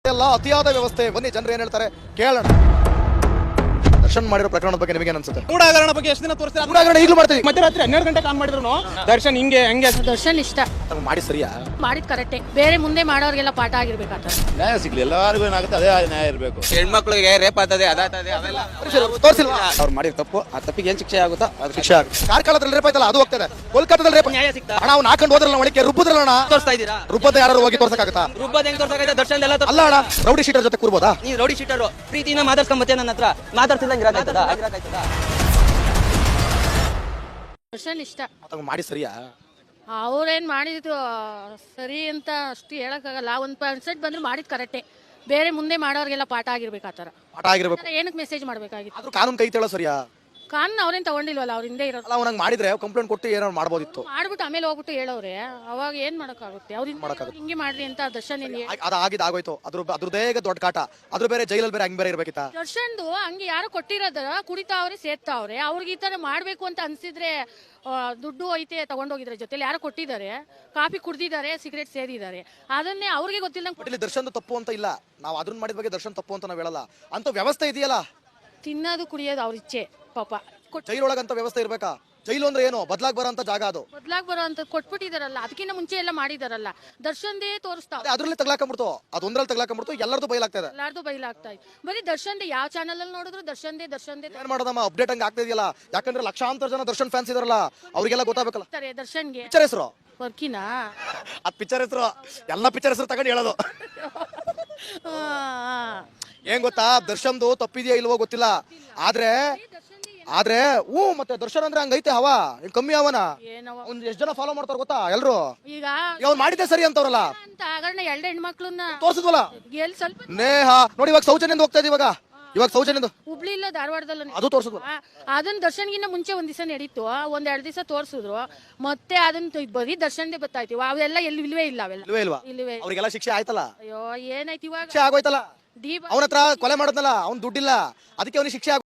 ಅಲ್ಲ, ಅತಿಯಾದ ವ್ಯವಸ್ಥೆ. ಬನ್ನಿ ಜನರು ಏನ್ ಹೇಳ್ತಾರೆ ಕೇಳೋಣ. ದರ್ಶನ್ ಮಾಡಿರೋ ಪ್ರಕರಣದ ಬಗ್ಗೆ ನಿಮಗೆ ಅನ್ಸುತ್ತೆ? ಗೂಢಾಗರಣ ಬಗ್ಗೆ ಎಷ್ಟು ದಿನ ತೋರಿಸ್ತಾರೆ? ಗೂಢಾಗರಣ ಈಗಲೂ ಮಾಡ್ತೀವಿ. ಮಧ್ಯರಾತ್ರಿ 12 ಗಂಟೆಗೆ ಆನ್ ಮಾಡಿದ್ರು ದರ್ಶನ್ ಹಿಂಗೆ ಹೆಂಗೆ ದರ್ಶನ್ ಇಷ್ಟ ಮಾಡಿ ಸರಿಯಾ ಮಾಡಿದ್ ಕರೆಕ್ಟೇ. ಬೇರೆ ಮುಂದೆ ಮಾಡೋರ್ಗೆಲ್ಲ ಪಾಠ ಆಗಿರ್ಬೇಕಾಗ್ತದೆ. ನ್ಯಾಯ ಸಿಗ್ಲಿ, ಎಲ್ಲರಿಗೂ ಏನಾಗುತ್ತೆ ಅದೇ ನ್ಯಾಯ ಇರಬೇಕು. ಹೆಣ್ಮಕ್ಳಿಗೆ ರೇಪ್ ಆಗ್ತದೆ, ಅದಾಗ್ತದೆ, ಅವೆಲ್ಲ ತೋರಿಸಿಲ್ವಾ? ಅವ್ರು ಮಾಡಿದ ತಪ್ಪು, ಆ ತಪ್ಪಿಗೆ ಏನ್ ಶಿಕ್ಷೆ ಆಗುತ್ತಾ ಅದು ಶಿಕ್ಷೆ ಆಗುತ್ತೆ. ಕಾರ್ಕಳದಲ್ಲಿ ರೇಪ್ ಆಯ್ತಲ್ಲ, ಅದು ಹೋಗ್ತದೆ. ಕೋಲ್ಕತ್ತಾದಲ್ಲಿ ರೇಪ್ ನ್ಯಾಯ ಸಿಗ್ತಾ ಅಣ್ಣ, ಅವ್ನು ಹಾಕೊಂಡು ಹೋದ್ರಲ್ಲ ಒಳಗೆ ರುಬ್ಬದ್ರಲ್ಲ ಅಣ್ಣ. ತೋರಿಸ್ತಾ ಇದ್ದೀರಾ? ರುಬ್ಬದ ಯಾರು ಹೋಗಿ ತೋರ್ಸಕ್ಕಾಗತ್ತಾ? ರುಬ್ಬದ್ ಹೆಂಗ್ ತೋರ್ಸಕ್ಕೆ? ದರ್ಶನ್ ಎಲ್ಲ ಅಲ್ಲ ಅಣ್ಣ, ರೌಡಿ ಶೀಟರ್ ಜೊತೆ ಕೂರ್ಬೋದಾ? ನೀವು ರೌಡಿ ಶೀಟರು ಪ್ರೀತಿನ ಮಾತಾಡ್ಸ್ಕೊಂಬತ್ತೆ ನನ್ನ ಹತ್ರ ಮಾತಾಡ್ತಿದ್ದಂಗೆ ಇರಾಕಾಯ್ತದ? ದರ್ಶನ್ ಇಷ್ಟ ಮಾಡಿ ಸರಿಯಾ? ಅವ್ರೇನ್ ಮಾಡಿದ್ದು ಸರಿ ಅಂತ ಅಷ್ಟು ಹೇಳಕ್ಕಾಗಲ್ಲ. 1% ಬಂದ್ರು ಮಾಡಿದ್ ಕರೆಕ್ಟೇ. ಬೇರೆ ಮುಂದೆ ಮಾಡೋರ್ಗೆಲ್ಲ ಪಾಠ ಆಗಿರ್ಬೇಕಾತರ. ಪಾಠ ಆಗಿರ್ಬೇಕು. ಏನಕ್ಕೆ ಮೆಸೇಜ್ ಮಾಡ್ಬೇಕಾಗಿತ್ತು? ಆದ್ರೂ ಕಾನೂನು ಕೈ ತೇಳೋ ಸರಿಯಾ? ಕಾನೂನು ಅವ್ರೇನ್ ತಗೊಂಡಿಲ್ವಲ್ಲ, ಅವ್ರ ಹಿಂದೆ ಇರೋದು. ಅಲ್ಲ, ಅವ್ನಂಗ್ ಮಾಡಿದ್ರೆ ಕಂಪ್ಲೇಂಟ್ ಕೊಟ್ಟು ಏನಾರು ಮಾಡ್ಬೋದಿತ್ತು. ಮಾಡ್ಬಿಟ್ಟು ಆಮೇಲೆ ಹೋಗ್ಬಿಟ್ಟು ಹೇಳೋರೆ, ಅವಾಗ ಏನ್ ಮಾಡಕ್ಕಾಗುತ್ತೆ? ಅವ್ರಿಂದ ಹಿಂಗೆ ಮಾಡ್ರಿ ಅಂತ ದರ್ಶನ್ ಅದಾಗಿದ್ದು ಆಗೋಯ್ತು. ಅದ್ರದ್ದೇ ದೊಡ್ಡ ಕಾಟ. ಅದ್ರ ಬೇರೆ ಜೈಲಲ್ಲಿ ಬೇರೆ ಹಂಗ್ ಬೇರೆ ಇರ್ಬೇಕಿತ್ತ. ದರ್ಶನ್ದು ಹಂಗೆ ಯಾರೋ ಕೊಟ್ಟಿರೋದ ಕುಡಿತಾವ್ರೆ ಸೇರ್ತಾವ್ರೆ. ಅವ್ರಿಗೆ ಈ ತರ ಮಾಡ್ಬೇಕು ಅಂತ ಅನ್ಸಿದ್ರೆ ದುಡ್ಡು ಐತೆ ತಗೊಂಡೋಗಿದ್ರೆ ಜೊತೆಲಿ ಯಾರೋ ಕೊಟ್ಟಿದ್ದಾರೆ, ಕಾಫಿ ಕುಡ್ದಿದ್ದಾರೆ, ಸಿಗರೇಟ್ ಸೇದಿದ್ದಾರೆ. ಅದನ್ನೇ ಅವ್ರಿಗೆ ಗೊತ್ತಿಲ್ಲ. ದರ್ಶನ್ ತಪ್ಪು ಅಂತ ಇಲ್ಲ, ನಾವು ಅದನ್ನ ಮಾಡಿದ ಬಗ್ಗೆ ದರ್ಶನ್ ತಪ್ಪು ಅಂತ ನಾವ್ ಹೇಳಲ್ಲ. ಅಂತ ವ್ಯವಸ್ಥೆ ಇದೆಯಲ್ಲ, ತಿನ್ನೋದು ಕುಡಿಯೋದು ಅವ್ರ ಇಚ್ಛೆ ಪಾಪ. ಜೈಲೊಳಗಂತ ವ್ಯವಸ್ಥೆ ಇರ್ಬೇಕಾ? ಜೈಲು ಅಂದ್ರೆ ಏನು? ಬದ್ಲಾಗ್ ಬರೋಂತ ಜಾಗ ಅದು. ಬದ್ಲಾಗ್ ಬರೋ ಅಂತ ಕೊಟ್ಬಿಟ್ಟಿದಾರಲ್ಲ, ಅದಕ್ಕಿಂತ ಮುಂಚೆ ಎಲ್ಲ ಮಾಡಿದಾರಲ್ಲ. ದರ್ಶನ್ದೇ ತೋರಿಸ್ತಾವ, ಅದ್ರಲ್ಲಿ ತಗ್ಲಾಕೊಂಡ್ಬಿಡ್ತು, ಅದು ಒಂದ್ರಲ್ಲಿ ತಗ್ಲಾಕೊಂಡ್ಬಿಡ್ತು, ಎಲ್ಲರದು ಬಯಲಾಗ್ತದೆ. ಎಲ್ಲಾರ್ದು ಬಯಲಾಗ್ತಾ ಇತ್ತು. ಬರೀ ದರ್ಶನ್ದೇ, ಯಾವ ಚಾನಲ್ ಅಲ್ಲಿ ನೋಡಿದ್ರು ದರ್ಶನ್ದೇ. ಏನ್ ಮಾಡೋದಮ್ಮ, ಅಪ್ಡೇಟ್ ಹಂಗ ಆಗ್ತಾ ಇದೆಯಲ್ಲ. ಯಾಕಂದ್ರೆ ಲಕ್ಷಾಂತರ ಜನ ದರ್ಶನ್ ಫ್ಯಾನ್ಸ್ ಇದಾರಲ್ಲ, ಅವ್ರಿಗೆಲ್ಲ ಗೊತ್ತಾಗಬೇಕಲ್ಲ. ದರ್ಶನ್ಗೆ ಪಿಕ್ಚರ್ ಹೆಸರು ವರ್ಕಿನಾ? ಅದ್ ಪಿಕ್ಚರ್ ಹೆಸರು, ಎಲ್ಲ ಪಿಕ್ಚರ್ ಹೆಸರು ತಗೊಂಡು ಹೇಳೋದು. ಏನ್ ಗೊತ್ತಾ, ದರ್ಶನ್ದು ತಪ್ಪಿದೆಯಾ ಇಲ್ವೋ ಗೊತ್ತಿಲ್ಲ. ಆದ್ರೆ ಮತ್ತೆ ದರ್ಶನ್ ಅಂದ್ರೆ ಹಂಗೈತೆ ಹವಾ. ಕಮ್ಮಿ ಅವನ ಒಂದ್ ಎಷ್ಟ್ ಜನ ಫಾಲೋ ಮಾಡ್ತಾರ ಗೊತ್ತಾ ಎಲ್ರು. ಈಗ ಅವ್ನು ಮಾಡಿದ್ದೆ ಸರಿ ಅಂತವ್ರಲ್ಲ ಅಂತ ಆಗಣ್ಣ. 2 ಹೆಣ್ಮಕ್ಳನ್ನ ತೋರ್ಸಿದ್ವಲ್ಲ. ಎಲ್ಲಿ ಸ್ವಲ್ಪ ನೇಹ ನೋಡಿ, ಇವಾಗ ಸೌಜನ್ಯಂದ ಹೋಗ್ತಾ ಇದೀವಿ. ಇವಾಗ ಸೌಜನ್ಯಂದು ಹುಬ್ಳಿ ಇಲ್ಲ ಧಾರವಾಡದಲ್ಲ, ಅದು ತೋರ್ಸಿದ್ವಲ್ಲ. ಅದನ್ನ ದರ್ಶನ್ಗಿನ್ನ ಮುಂಚೆ ಒಂದ್ ದಿವಸ ನಡೀತು, 1-2 ದಿವಸ ತೋರ್ಸಿದ್ರು. ಮತ್ತೆ ಅದನ್ನ ಬರೀ ದರ್ಶನ್ದೇ ಬತ್ತಾಯ್ತು. ಅವೆಲ್ಲ ಎಲ್ಲಿ ಇಲ್ವೇ ಇಲ್ಲ. ಅವೆಲ್ಲ ಇಲ್ವೇ ಅವ್ರಿಗೆಲ್ಲ ಶಿಕ್ಷೆ ಆಯ್ತಲ್ಲ. ಅಯ್ಯೋ ಏನಾಯ್ತು ಇವಾಗ? ಶಿಕ್ಷೆ ಆಗೋಯ್ತಲ್ಲ. ದೀಪ ಅವನ ಹತ್ರ ಕೊಲೆ ಮಾಡೋದ್ನಲ್ಲ, ಅವ್ನ್ ದುಡ್ಡಿಲ್ಲ, ಅದಕ್ಕೆ ಅವ್ನಿಗೆ ಶಿಕ್ಷೆ